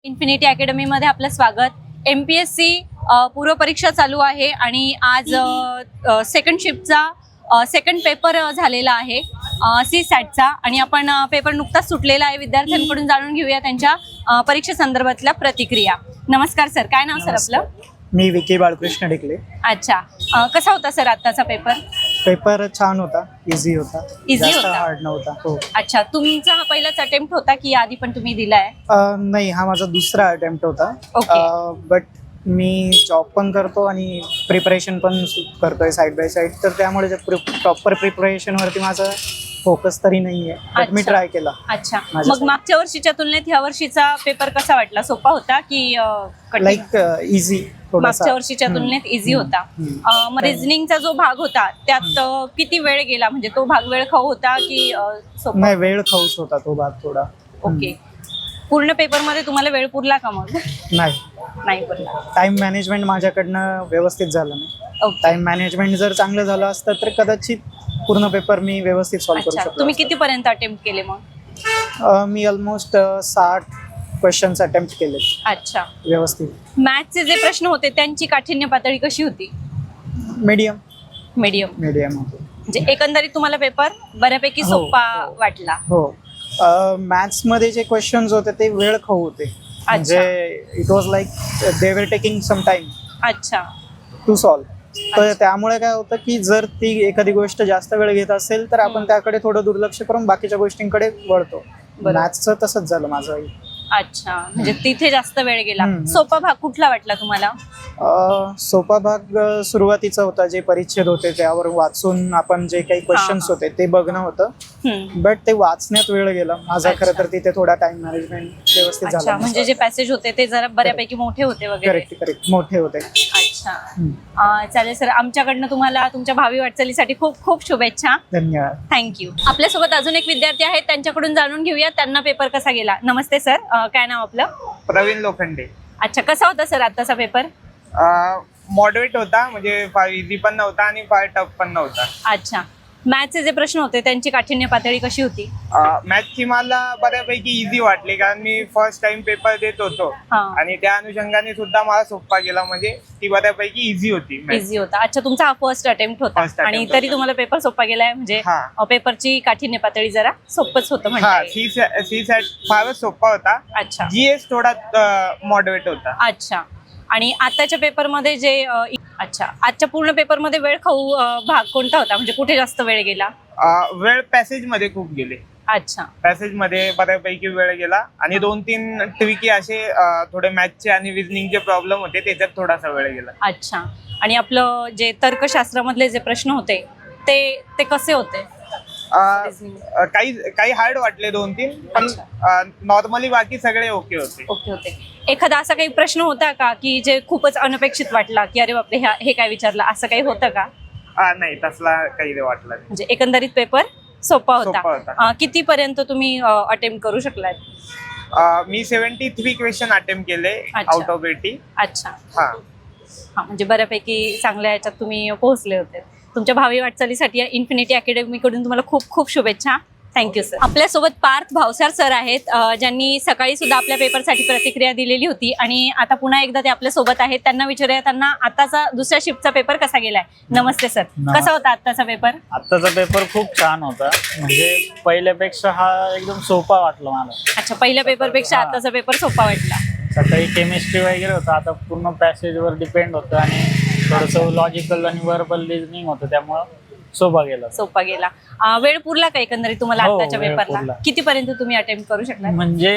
Infinity अकॅडमीमध्ये आपलं स्वागत. MPSC पूर्व परीक्षा चालू आहे आणि आज सेकंड शिफ्टचा सेकंड पेपर झालेला आहे CSATचा आणि आपण पेपर नुकताच सुटलेला आहे. विद्यार्थ्यांकडून जाणून घेऊया त्यांच्या परीक्षे संदर्भातल्या प्रतिक्रिया. नमस्कार सर, काय नाव सर आपलं? मी विकी बाळकृष्ण ढिकले. अच्छा, कसा होता सर आत्ताचा पेपर? पेपर छान होता, इझी होता, इझी होता, हार्ड नव्हता. हो. अच्छा, तुमचा हा पहिलाच अटेम्प्ट होता की आधी पण तुम्ही दिलाय? नाही, हा माझा दुसरा अटेम्प्ट होता. ओके. बट मी जॉब पण करतो आणि प्रिपरेशन पण करतोय साईड बाय साईड, तर त्यामुळे प्रॉपर प्रिपरेशनवरती माझा फोकस तरी नाहीये. बट मी ट्राय केला. अच्छा, मग मागच्या वर्षीच्या तुलनेत ह्या वर्षीचा पेपर कसा वाटला? सोपा होता की लाईक इझी? मागच्या वर्षीच्या तुलनेत इझी होता. मग रिझनिंगचा जो भाग होता त्यात किती वेळ गेला? म्हणजे तो भाग वेळ खाऊ होता की सोपा? नाही, वेळ खाऊच होता तो भाग थोडा. ओके. पूर्ण पेपर मध्ये तुम्हाला वेळ पुरला का? मग नाही पुरला. टाइम मॅनेजमेंट माझ्याकडनं व्यवस्थित झालं नाही. टाइम मॅनेजमेंट जर चांगलं झालं असतं तर कदाचित पूर्ण पेपर मी व्यवस्थित सॉल्व्ह करू शकतो. तुम्ही कितीपर्यंत अटेम्प्ट केले मग? मी ऑलमोस्ट 60 क्वेश्चन्स अटेम्प्ट केले. अच्छा, व्यवस्थित. मॅथ्सचे जे प्रश्न होते त्यांची काठिण्य पातळी कशी होती? मीडियम होती. म्हणजे एकंदरीत तुम्हाला पेपर बऱ्यापैकी सोपा वाटला? हो. मॅथ्स मध्ये जे क्वेश्चन्स होते ते वेळ खाऊ होते. म्हणजे it was like they were taking some time. अच्छा, टू सॉल्व्ह. तर त्यामुळे काय होतं की जर ती एखादी गोष्ट जास्त वेळ घेत असेल तर आपण त्याकडे थोडं दुर्लक्ष करून बाकीच्या गोष्टींकडे वळतो. मॅथ्सचं तसंच झालं माझं. अच्छा, म्हणजे तिथे जास्त वेळ गेला. सोपा भाग कुठला वाटला तुम्हाला? सोपा भाग सुरुवातीचा होता. जे परिच्छेद होते त्यावर वाचून आपण जे काही क्वेश्चन्स होते ते बघणं होतं. बट ते वाचण्यात वेळ गेला माझा. खरं तर तिथे थोडा टाइम मॅनेजमेंट व्यवस्थित झाला. म्हणजे जे पॅसेज होते ते जरा बऱ्यापैकी मोठे होते वगैरे? करेक्ट, मोठे होते. अच्छा, चालेल सर. आमच्याकडनं तुम्हाला तुमच्या भावी वाटचालीसाठी खूप खूप शुभेच्छा. धन्यवाद. थँक्यू. आपल्यासोबत अजून एक विद्यार्थी आहेत, त्यांच्याकडून जाणून घेऊया त्यांना पेपर कसा गेला. नमस्ते सर, काय नाव आपलं? प्रवीण लोखंडे. अच्छा, कसा होता सर आत्ताचा पेपर? मॉडरेट होता, म्हणजे फार इझी पण नव्हता आणि फार टफ पण नव्हता. अच्छा, मॅथ्सचे जे प्रश्न होते त्यांची काठिण्य पातळी कशी होती? मॅथ्सची मला बऱ्यापैकी इझी वाटली, कारण मी फर्स्ट टाइम पेपर देत होतो आणि त्या अनुषंगाने सुद्धा मला सोपा गेला. म्हणजे ती बऱ्यापैकी इझी होती. इझी होता. अच्छा, तुमचा हा फर्स्ट अटेम्प्ट होता आणि तरी तुम्हाला पेपर सोपा गेलाय. म्हणजे पेपरची काठिण्य पातळी जरा सोपच होतं म्हणजे? CSAT फारच सोपा होता. अच्छा. GS थोडा मॉडरेट होता. अच्छा, आणि आताच्या पेपरमध्ये जे अच्छा, आजच्या पूर्ण पेपरमध्ये वेळ खाऊ भाग कोणता होता? म्हणजे कुठे जास्त वेळ गेला? वेळ पॅसेज मध्ये खूप गेले. अच्छा, पॅसेज मध्ये बऱ्यापैकी वेळ गेला आणि 2-3 ट्रिकी असे थोडे मॅथ्सचे आणि रिझनिंगचे प्रॉब्लेम होते, त्याच्यात थोडासा वेळ गेला. अच्छा, आणि आपलं जे तर्कशास्त्रामधले जे प्रश्न होते ते कसे होते? काही हार्ड वाटले 2-3, पण नॉर्मली बाकी सगळे ओके होते. एखादा असा काही प्रश्न होता का की जे खूपच अनपेक्षित वाटला की अरे बापरे हे काय विचारलं, असं काही होतं का? नाही, तसला काही वाटलं नाही. म्हणजे एकंदरीत पेपर सोपा होता. किती पर्यंत तुम्ही अटेम्प्ट करू शकलात? मी 73 क्वेश्चन अटेम्प्ट केले आउट ऑफ 80. अच्छा, म्हणजे बऱ्यापैकी चांगल्या ह्याच्यात तुम्ही पोहोचले होते. तुमच्या भावी वाटचालीसाठी या इन्फिनिटी अकॅडमीकडून तुम्हाला खूप खूप शुभेच्छा. Thank you sir. आपल्यासोबत पार्थ भावसार सर आहेत, ज्यांनी सकाळी सुद्धा आपल्या पेपरसाठी प्रतिक्रिया दिलेली होती आणि आता पुन्हा एकदा ते आपल्या सोबत आहेत. त्यांना विचारूया त्यांना आताचा दुसऱ्या शिफ्टचा पेपर कसा गेलाय. नमस्ते सर, कसा होता आत्ताचा पेपर? आत्ताचा पेपर खूप छान होता. म्हणजे पहिल्यापेक्षा हा एकदम सोपा वाटला मला. अच्छा, पहिल्या पेपरपेक्षा आताचा पेपर सोपा वाटला. सकाळी केमिस्ट्री वगैरे होतं, आता पूर्ण पॅसेजवर डिपेंड होतं आणि थोडंसं लॉजिकल आणि वर्बल रिझनिंग होतं, त्यामुळं सोपा गेला. वेळ पुरला का एकंदरीत तुम्हाला आताच्या पेपरला? कितीपर्यंत तुम्ही अटेम्प्ट करू शकला? म्हणजे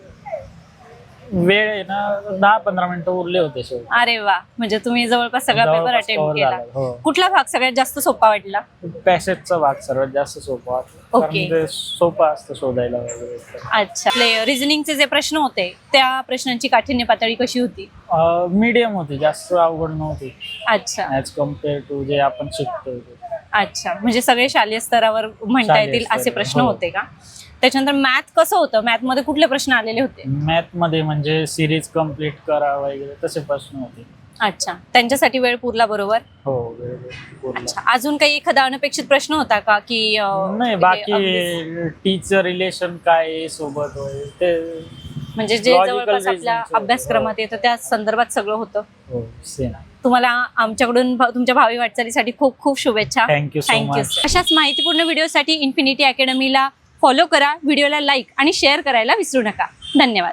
वेळ आहे ना 10-15 मिनिटं उरले होते. अरे वा, म्हणजे तुम्ही जवळपास सगळा पेपर अटेम्प्ट केला. कुठला भाग सगळ्यात जास्त सोपा वाटला? पॅसेजचा भाग सर्वात जास्त सोपा वाटला. ओके, सोपा असतं शोधायला वगैरे. अच्छा, रिझनिंगचे जे प्रश्न होते त्या प्रश्नांची काठिण्य पातळी कशी होती? मीडियम होती, जास्त अवघड नव्हती. अच्छा, ॲज कम्पेअर टू जे आपण शिकतो. अच्छा, म्हणजे सगळे शालेय स्तरावर म्हणता येतील असे प्रश्न होते का? त्याच्यानंतर मॅथ कसं होतं? मॅथ मध्ये कुठले प्रश्न आलेले होते? मॅथ मध्ये म्हणजे सिरीज कम्प्लीट करा वगैरे तसे प्रश्न होते. अच्छा, त्यांच्यासाठी वेळ पुरला बरोबर? हो, अच्छा, अजून काही एखादा अनपेक्षित प्रश्न होता का की नाही? बाकी टीचर रिलेशन काय सोबत ते म्हणजे जे Logical जवळपास आपल्या reasoning चं. अभ्यासक्रमात येतं त्या संदर्भात सगळं होतं. हो सेम. तुम्हाला आमच्याकडून तुमच्या भावी वाटचालीसाठी खूप खूप शुभेच्छा. Thank you so much. अशाच माहितीपूर्ण व्हिडिओसाठी इन्फिनिटी अकॅडमीला फॉलो करा, व्हिडिओला लाईक आणि शेअर करायला विसरू नका. धन्यवाद.